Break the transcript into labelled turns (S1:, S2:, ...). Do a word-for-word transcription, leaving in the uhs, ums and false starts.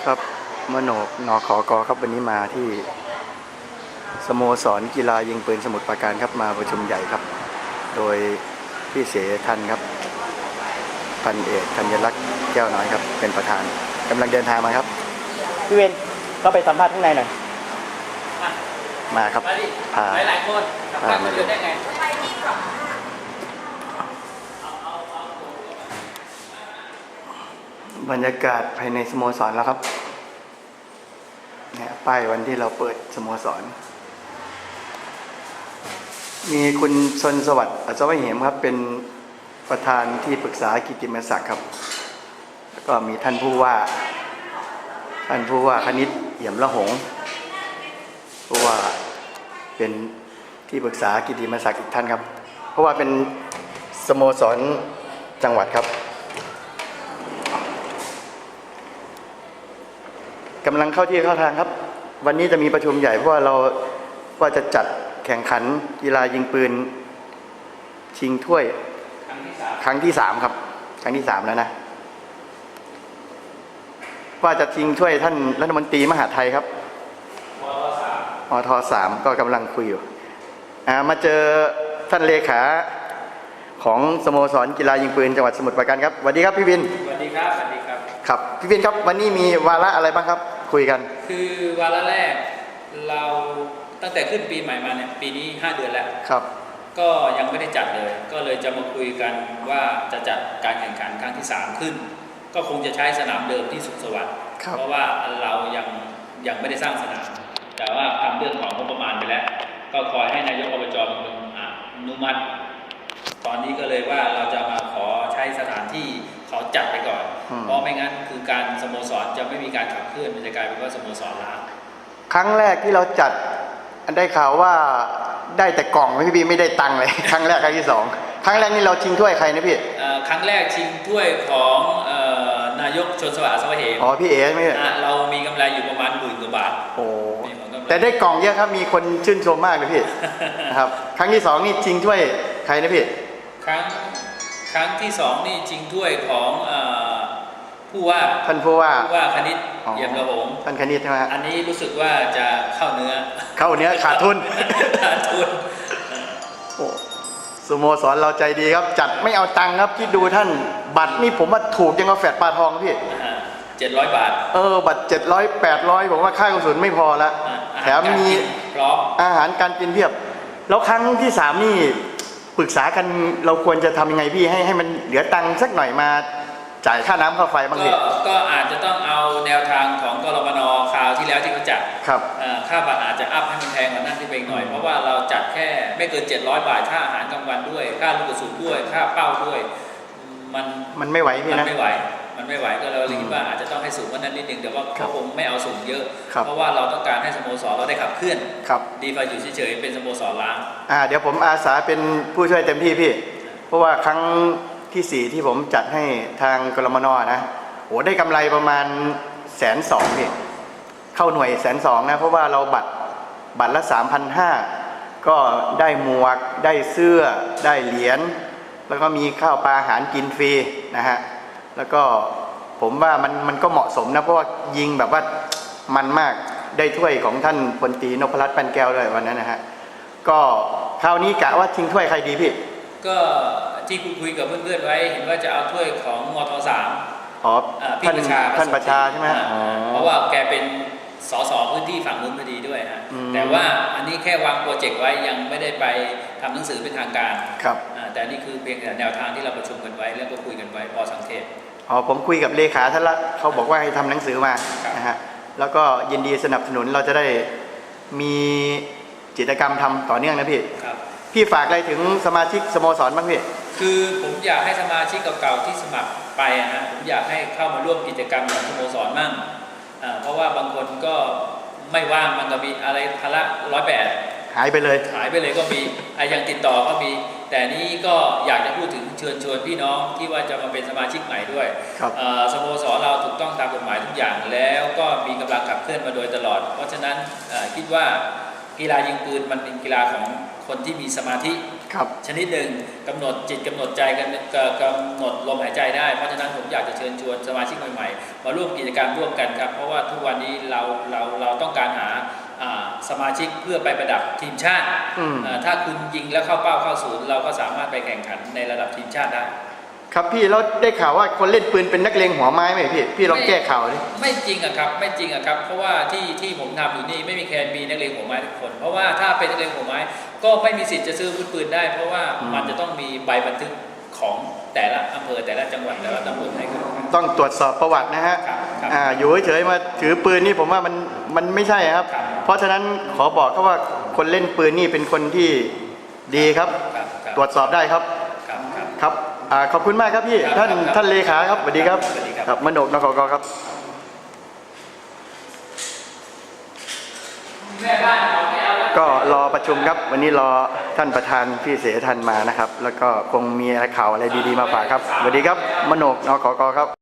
S1: ครับมโนกนขกครับวันนี้มาที่สโมสรกีฬายิงปืนสมุทรปราการครับมาประชุมใหญ่ครับโดยพี่เสทันครับพันเอกธัญลักษณ์แก้วน้อยครับเป็นประธานกำลังเดินทางมาครับพี่เวนก็ไปสัมภาษณ์ข้างในหน่อยมาครับพา
S2: หลายๆคนพามาดูได้ไง
S1: บรรยากาศภายในสโมสรแล้วครับเนี่ยป้ายวันที่เราเปิดสโมสรมีคุณชนสวัสดิ์อัศวะเหมครับเป็นประธานที่ปรึกษากิตติมศักดิ์ครับแล้วก็มีท่านผู้ว่าท่านผู้ว่าคณิตเอี่ยมละหงผู้ว่าเป็นที่ปรึกษากิตติมศักดิ์อีกท่านครับเพราะว่าเป็นสโมสรจังหวัดครับกำลังเข้าที่เข้าทางครับวันนี้จะมีประชุมใหญ่เพราะว่าเราว่าจะจัดแข่งขันกีฬายิงปืนชิงถ้วยครั้งที่สามครับครั้งที่สามแล้วนะว่าจะชิงถ้วยท่านรัฐมนตรีมหาดไทยครับมทสามก็กำลังคุยอยู่มาเจอท่านเลขาของสโมสรกีฬายิงปืนจังหวัดสมุทรปราการครับสวัสดีครับพี่วิน
S2: สวัสดีครับสวัสดีครับ
S1: ครับพี่วินครับวันนี้มีวาระอะไรบ้างครับคุยกัน
S2: คือวาระแรกเราตั้งแต่ขึ้นปีใหม่มาเนี่ยปีนี้ห้าเดือนแล้ว
S1: ครับ
S2: ก็ยังไม่ได้จัดเลยก็เลยจะมาคุยกันว่าจะจัดการแข่งขันครั้งที่สามขึ้นก็คงจะใช้สนามเดิมที่สุขสวัสดิ์เพราะว่าเรายังยังไม่ได้สร้างสนามแต่ว่าทำเรื่องของงบประมาณไปแล้วก็คอยให้นายกอบจเป็นคนอนุมัติตอนนี้ก็เลยว่าเราจะมาขอใช้สถานที่เขาจัดไปก่อนเพราะไม่งั้นคือการสโมสรจะไม่มีการขับเคลื่อนมันจะกลายเป็นว่าสโมสรล้าง
S1: ครั้งแรกที่เราจัดได้ข่าวว่าได้แต่กล่องพี่บีไม่ได้ตังค์เลยครั้งแรกครั้งที่สองครั้งแรกนี่เราชิงถ้วยใครนะพี่
S2: ครั้งแรกชิงถ้วยของนายกชนสวัสดิ์อัศวะเหม
S1: อ๋อพี่เอ๋ไม่ใช่
S2: เรามีกำไรอยู่ประมาณหมื่นกว่าบาท
S1: โอ้แต่ได้กล่องเยอะครับมีคนชื่นชมมากเลยพี่นะครับครั้งที่สองนี่ชิงถ้วยใครนะพี่
S2: ครั้งครั้งที่สองนี่ชิงถ้วยของผู้ว่า
S1: ท่านผู้ว่า
S2: ผู้ว่าคณิตเยี่ยมระหง
S1: ท่านคณิตใช่ไหม
S2: อันนี้รู้สึกว่าจะเข้าเนื้อ
S1: เข้าเนื้อขาดทุน
S2: ขาดทุน
S1: โอ้สโมสรเราใจดีครับจัดไม่เอาตังค์ครับที่ดูท่านบัตรนี่ผมว่าถูกยังกาแฟปลาทองพี่
S2: เจ็ดร้อยบาท
S1: เออบัตรเจ็ดร้อยแปดร้อยผมว่าค่ากระสุนไม่พอละแถมมี
S2: พร้อม
S1: อาหารการกินเพียบแล้วครั้งที่สามนี่ปรึกษากันเราควรจะทำยังไงพี่ให้ให้มันเหลือตังค์สักหน่อยมาจ่ายค่าน้ำค่าไฟบางที
S2: ก็อาจจะต้องเอาแนวทางของกรมน.คราวที่แล้วที่เขาจัด
S1: ครับ
S2: ค่าบัตรอาจจะอัพให้มันแพงกว่านั้นที่เป็นหน่อยเพราะว่าเราจัดแค่ไม่เกินเจ็ดร้อยบาทค่าอาหารกลางวันด้วยค่าลูกกระสุนด้วยค่าเป้าด้วยมัน
S1: มันไม่ไหวพี่นะ
S2: มันไม่ไหวมันไม่ไหวก็เราเลยคิดว่าอาจจะต้องให้สูงกว่านั้นนิดนึงแต่ว่าเขาคงไม่เอาสูงเยอะเพราะว่าเราต้องการให้สโมสรเราได้ขับเคลื่อนดีกว่าอยู่เฉยๆเป็นสโมสรล้าง
S1: อ่าเดี๋ยวผมอาสาเป็นผู้ช่วยเต็มที่พี่เพราะว่าครั้งที่สี่ที่ผมจัดให้ทางกรมน.นะโอ้ได้กำไรประมาณแสนสองพี่เข้าหน่วยแสนสองนะเพราะว่าเราบัตรบัตรละสามพันห้าก็ได้หมวกได้เสื้อได้เหรียญแล้วก็มีข้าวปลาอาหารกินฟรีนะฮะแล้วก็ผมว่ามันมันก็เหมาะสมนะเพราะว่ายิงแบบว่ามันมากได้ถ้วยของท่านพลตรีนพรัตน์ปันแก้วด้วยวันนั้นนะฮะก็คราวนี้กะว่าชิงถ้วยใครดีพี่
S2: ก็ที่คุยกับเพื่อนๆไว้เห็นว่าจะเอาถ้วยของมทสาม
S1: อ๋อพี่ประชาท่านประชาใช่ไหม
S2: เพราะว่าแกเป็นสสพื้นที่ฝั่งนู้นพอดีด้วยฮะแต่ว่าอันนี้แค่วางโปรเจกต์ไว้ยังไม่ได้ไปทำหนังสือเป็นทางการ
S1: ครับ
S2: แต่นี่คือเพียงแต่แนวทางที่เราประชุมกันไว้แล้วก็คุยกันไว้พอสังเกต
S1: อ๋อผมคุยกับเลขาท่านละเขาบอกว่าให้ทำหนังสือมานะฮะแล้วก็ยินดีสนับสนุนเราจะได้มีกิจกรรมทำต่อเนื่องนะพี่พี่ฝากอะไรถึงสมาชิกสโมสรบ้างพี่
S2: คือผมอยากให้สมาชิกเก่าๆที่สมัครไปนะผมอยากให้เข้ามาร่วมกิจกรรมของสโมสรมั่งเพราะว่าบางคนก็ไม่ว่างมันก็มีอะไรภาระร้อยแปด
S1: หายไปเลย
S2: หายไปเลยก็มีไอ้ยังติดต่อก็มีแต่นี้ก็อยากจะพูดถึงเชิญชวนพี่น้องที่ว่าจะมาเป็นสมาชิกใหม่ด้วยสโมสรเราถูกต้องตามกฎหมายทุกอย่างแล้วก็มีกำลังขับเคลื่อนมาโดยตลอดเพราะฉะนั้นคิดว่ากีฬายิงปืนมันเป็นกีฬาของคนที่มีสมาธิ
S1: ครับ
S2: ชนิดหนึ่งกำหนดจิตกำหนดใจกันกำหนดลมหายใจได้เพราะฉะนั้นผมอยากจะเชิญชวนสมาชิกใหม่ๆมาร่วมกิจกรรมร่วมกันครับเพราะว่าทุกวันนี้เราเราเราต้องการหาสมาชิกเพื่อไปประดับทีมชาติถ้าคุณยิงแล้วเข้าเป้าเข้าศูนย์เราก็สามารถไปแข่งขันในระดับทีมชาติได้
S1: ครับพี่แล้วได้ข่าวว่าคนเล่นปืนเป็นนักเลงหัวไม้ไหมพี่พี่ลองแก้ข่าวดิ
S2: ไม่จริงอะครับไม่จริงอะครับเพราะว่าที่ที่ผมทำอยู่นี่ไม่มีใครมีนักเลงหัวไม้ทุกคนเพราะว่าถ้าเป็นนักเลงหัวไม้ก็ไม่มีสิทธิ์จะซื้ออาวุธปืนได้เพราะว่ามันจะต้องมีใบบันทึกของแต่ละอำเภอแต่ละจังหวัดแต่ละตำบลให้ครับ
S1: ต้องตรวจสอบประวัตินะฮะอ่าอยู่เฉยๆมาถือปืนนี่ผมว่ามันมันไม่ใช่ครับเพราะฉะนั้นขอบอกเขาว่าคนเล่นปืนนี่เป็นคนที่ดีครับตรวจสอบได้ครับครับขอบคุณมากครับพี่ท่านท่านเลขาครับสวัสดีครับครับมโนกนครกครับก็รอประชุมครับวันนี้รอท่านประธานพี่เสทันมานะครับแล้วก็คงมีข่าวอะไรดีๆมาฝากครับสวัสดีครับมโนกนครกครับ